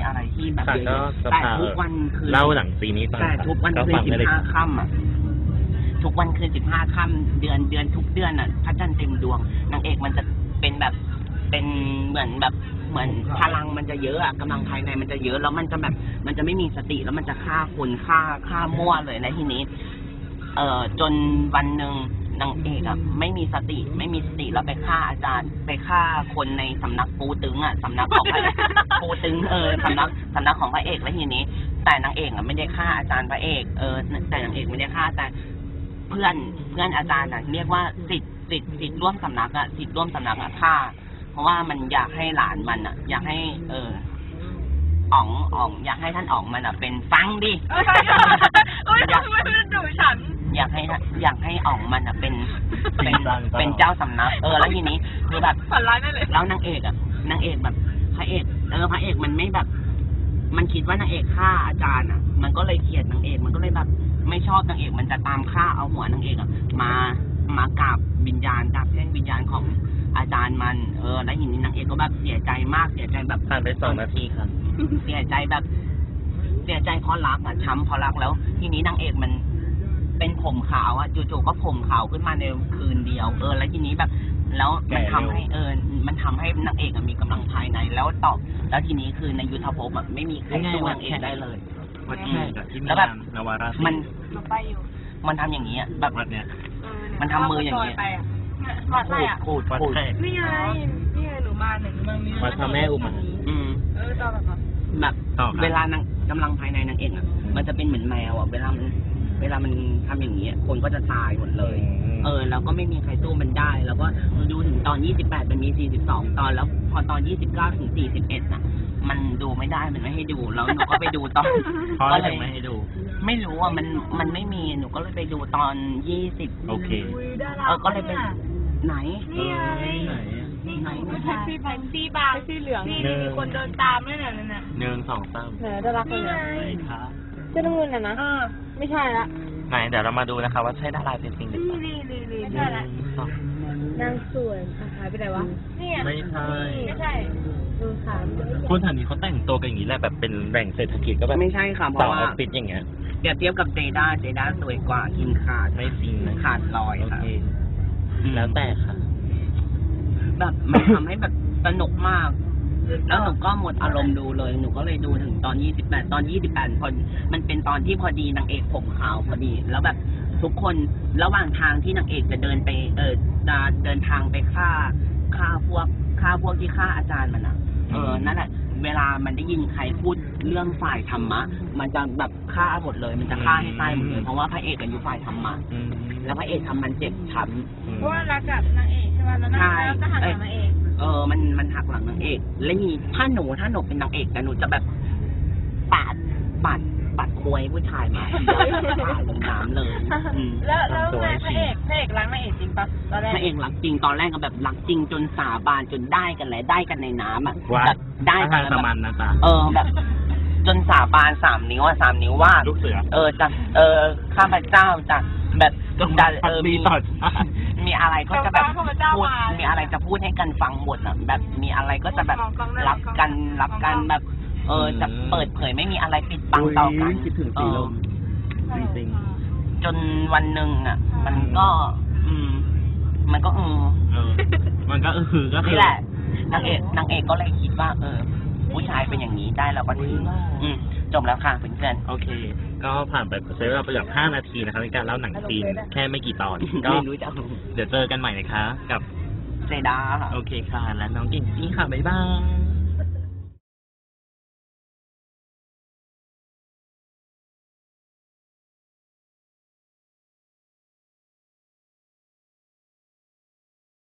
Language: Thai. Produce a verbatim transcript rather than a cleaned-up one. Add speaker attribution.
Speaker 1: อะไรที่แบบ
Speaker 2: ค่ะก็ส
Speaker 1: แต่
Speaker 2: ภา
Speaker 1: ทุกวันคืน
Speaker 2: เล่าหนังซีนี้ฟัง
Speaker 1: แต่ทุกวัน
Speaker 2: ก็
Speaker 1: คืน
Speaker 2: ฟัง
Speaker 1: สิ
Speaker 2: ได้
Speaker 1: บ
Speaker 2: เลย
Speaker 1: ห้าค่ำอ่ะทุกวันคืนสิบห้าค่ำเดือนเดือนทุกเดือนอ่ะพระจันทร์เต็มดวงนางเอกมันจะเป็นแบบเป็นเหมือนแบบเหมือนพลังมันจะเยอะอะกำลังภายในมันจะเยอะแล้วมันจะแบบมันจะไม่มีสติแล้วมันจะฆ่าคนฆ่าฆ่ามั่วเลยแล้วทีนี้ เอ่อจนวันหนึ่งนางเอกอ่ะไม่มีสติไม่มีสติแล้วไปฆ่าอาจารย์ไปฆ่าคนในสำนักปูตึงอ่ะสำนักของพระ ปูตึงเออสำนักสำนักของพระเอกแล้วทีนี้ แต่นางเอกอ่ะไม่ได้ฆ่าอาจารย์พระเอกเออแต่นางเอกไม่ได้ฆ่าแต่เพื่อนเพื่อนอาจารย์อ่ะเรียกว่าสิทธิ์สิทธิ์สิทธิ์ร่วมสำนักอ่ะสิทธิ์ร่วมสำนักอ่ะฆ่าเพราะว่ามันอยากให้หลานมันอ่ะ อยากให้ เอออ๋องอ๋องอยากให้ท่านอ๋องมันอ่ะเป็นฟังดิ
Speaker 3: อยากไม่เป็นดูฉัน
Speaker 1: อยากให้อยากให้อ๋องมันอ่ะเป็นเป็นเป็นเจ้าสำนักเออแล้วทีนี้คือแบบ
Speaker 3: ฝันร้ายได้เลย
Speaker 1: แล้วนางเอกอ่ะนางเอกแบบพระเอกเออพระเอกมันไม่แบบ มันคิดว่านางเอกฆ่าอาจารย์อ่ะ มันก็เลยเกลียดนางเอกมันก็เลยแบบ ไม่ชอบนางเอกมันจะตามฆ่าเอาหัวนางเอกอ่ะมามากราบวิญญาณกราบแท่งวิญญาณของอาจารย์มันเออแล้วทีนี้นางเอกก็แบบเสียใจมากเสียใจแบบ
Speaker 2: ผ่านไปสองนาทีครับ
Speaker 1: เสียใจแบบ เสียใจเพราะรักอ่ะช้ำเพราะรักแล้ว ทีนี้นางเอกมันเป็นผมขาวอ่ะจู่ๆก็ผมขาวขึ้นมาในคืนเดียวเออแล้วทีนี้แบบ แล้วมันทำให้เออมันทำให้นางเอกมีกำลังภายในแล้วตอบแล้วทีนี้คือในยุทธภพอ่ะไม่มีใครสู้นางเอกได้เลย
Speaker 2: วัดแขกกับที่มี
Speaker 1: แล้วแบบ
Speaker 2: นวารา
Speaker 1: มัน
Speaker 3: เราไปอยู่
Speaker 1: มันทำอย่างนี้อ่ะแบบ
Speaker 2: วัดเนี้ย
Speaker 1: มันทำมืออย่างนี้
Speaker 3: ไปอ่ะวัดอะไรอ่ะ
Speaker 1: พูด
Speaker 2: วัด
Speaker 1: พูด
Speaker 2: แขก
Speaker 3: นี่ไงนี่ไงหนูมาหนึ่งเมืองนี้
Speaker 2: วัดพระแม่อุมา
Speaker 1: อืม
Speaker 3: เออตอนแบบนั้น
Speaker 1: แบบ
Speaker 2: ต่อครับ
Speaker 1: เวลานางกำลังภายในนางเอกอ่ะ มันจะเป็นเหมือนแมวอ่ะเวลามันเวลามันทำอย่างนี้ยคนก็จะตายหมดเลย เออแล้วก็ไม่มีใครสู้มันได้ แล้วก็ดูถึงตอนยี่สิบแปดมันมีสี่สิบสองตอนแล้วพอตอนยี่สิบเก้าถึงสี่สิบเอ็ดน่ะ มันดูไม่ได้มันไม่ให้ดูแล้วหนูก็ไปดูตอน
Speaker 2: เพราะ
Speaker 1: ก็
Speaker 2: อะไร
Speaker 1: เลย
Speaker 2: ถึงไม่ให้ดู
Speaker 1: ไม่รู้อ่ะมันมันไม่มีหนูก็เลยไปดูตอนยี่สิบ
Speaker 2: โอเค
Speaker 1: เออก็เลยเป็นไหน
Speaker 3: นี่ไง
Speaker 2: ไหน
Speaker 3: นี่ไงไม่ใช่พี่แท็กซี่บางแท็กซี่เหลืองนี่มีคนเดินตามด้วยเนี่ยนั่นน่ะ
Speaker 2: หนึ่งสองสาม
Speaker 4: ไหนจะรักเลย
Speaker 3: นี่ไง
Speaker 2: ไหนคะ
Speaker 4: เจ้าน้ำเงินน่ะนะ
Speaker 3: เออ
Speaker 4: ไม่ใช่ละ
Speaker 2: ไหนเดี๋ยวเรามาดูนะคะว่าใช่ดาราจริงๆหรือเปล่า
Speaker 3: นี่นี่นี่
Speaker 2: ห
Speaker 3: ไม่ใช่ละ
Speaker 2: นึ่งสอง
Speaker 4: นางสวยอ่ะหายไปไหนวะ
Speaker 3: นี่ไง
Speaker 2: ไม่ใช่
Speaker 3: ไม่ใช่
Speaker 4: ดูขาม
Speaker 2: คนแถวนี้เขาแต่งตัวกันอย่างนี้แหละแบบเป็นแหล่งเศรษฐกิจก็แบบ
Speaker 1: ไม่ใช่ค่ะเพ
Speaker 2: สาว
Speaker 1: ราะ
Speaker 2: อ
Speaker 1: ว่า
Speaker 2: อฟฟิศอย่างเงี้ย
Speaker 1: เปรียบเทียบกับเจด้าเจด้าสวยกว่ากินขาด
Speaker 2: ไม่จริงนะ
Speaker 1: ขาดลอย
Speaker 2: โอ
Speaker 1: ค่ะ
Speaker 2: เค แล้วแต่ค่ะ
Speaker 1: แบบมันทำให้แบบสนุกมาก แล้วหนูก็หมดอารมณ์ดูเลย หนูก็เลยดูถึงตอนยี่สิบแปดตอนยี่สิบแปดพอมันเป็นตอนที่พอดีนางเอกผมขาวพอดี แล้วแบบทุกคนระหว่างทางที่นางเอกจะเดินไป เออจะเดินทางไปฆ่าฆ่าพวกฆ่าพวกที่ฆ่าอาจารย์มันอ่ะ เออ นั่นแหละ เวลามันได้ยินใครพูดเรื่องฝ่ายธรรมะ มันจะแบบฆ่าหมดเลย มันจะฆ่าให้ตายหมดเลย เพราะว่าพระเอกกันอยู่ฝ่ายธรรมะ
Speaker 2: อืม
Speaker 1: แล้วพระเอกทำมันเจ็บช้ำ
Speaker 2: อืม
Speaker 3: เพราะว่ารักกับนางเอกใช่ไหมแล้วนางแล้วก็หันกับนางเอก
Speaker 1: เออ มัน มันหักหลังนางเอก แล้วนี่ถ้าหนู ถ้าหนูเป็นนางเอกแต่หนูจะแบบปาด ปาด ปาดควยผู้ชายมาปาดลงน้ำเลยอืม
Speaker 3: แล้วแล้วไงพระเอกพระเอกรักนางเอกจริงปะตอนแรก
Speaker 1: พระเอกรักจริง ตอนแรกก็แบบรักจริงจนสาบานจนได้กันเลยได้กันในน้ำอ่ะ
Speaker 2: ว่า
Speaker 1: แบบได้กั
Speaker 2: ทาน ง
Speaker 1: แบ
Speaker 2: ส
Speaker 1: บ
Speaker 2: มันนะจ๊ะ
Speaker 1: เออแบบ จนสาบานสามนิ้วอ่ะสามนิ้วว่า
Speaker 2: ลูกเสือ
Speaker 1: เออจะเออข้าพเจ้าจะแบบจะเออ
Speaker 2: มี
Speaker 1: มี
Speaker 2: ต่อชาติ
Speaker 1: มีอะไรก็จะแบบพูดมีอะไรจะพูดให้กันฟังหมดอ่ะแบบมีอะไรก็จะแบบรับกันรับกันแบบ เออจะเปิดเผยไม่มีอะไรปิดบังต่อกัน
Speaker 2: คิดถึง
Speaker 1: เอ
Speaker 2: สี
Speaker 1: อ
Speaker 2: ลมจริง
Speaker 1: จนวันหนึ่งอ่ะ มันก็ อืม มันก็อืม
Speaker 2: ๆเออ มันก็คือก็คือ
Speaker 1: นี่แหละนางเอกนางเอกก็เลยคิดว่า เออ ผู้ชายเป็นอย่างนี้ได้เราก็ถืออืมจบแล้วค่ะเพื่อน
Speaker 2: โอเค ก็ผ่านไปใช้เวลาไปแบบห้านาทีนะครับในการเล่าหนังจีนแค่ไม่กี่ตอน
Speaker 1: ๆ
Speaker 2: ก็
Speaker 1: ไม่รู้จะ
Speaker 2: เดี๋ยวเจอกันใหม่นะคะ กับ
Speaker 1: เซดาค่ะ
Speaker 2: โอเคค่ะ และน้องกิ่งจี้ค่ะ บ๊ายบาย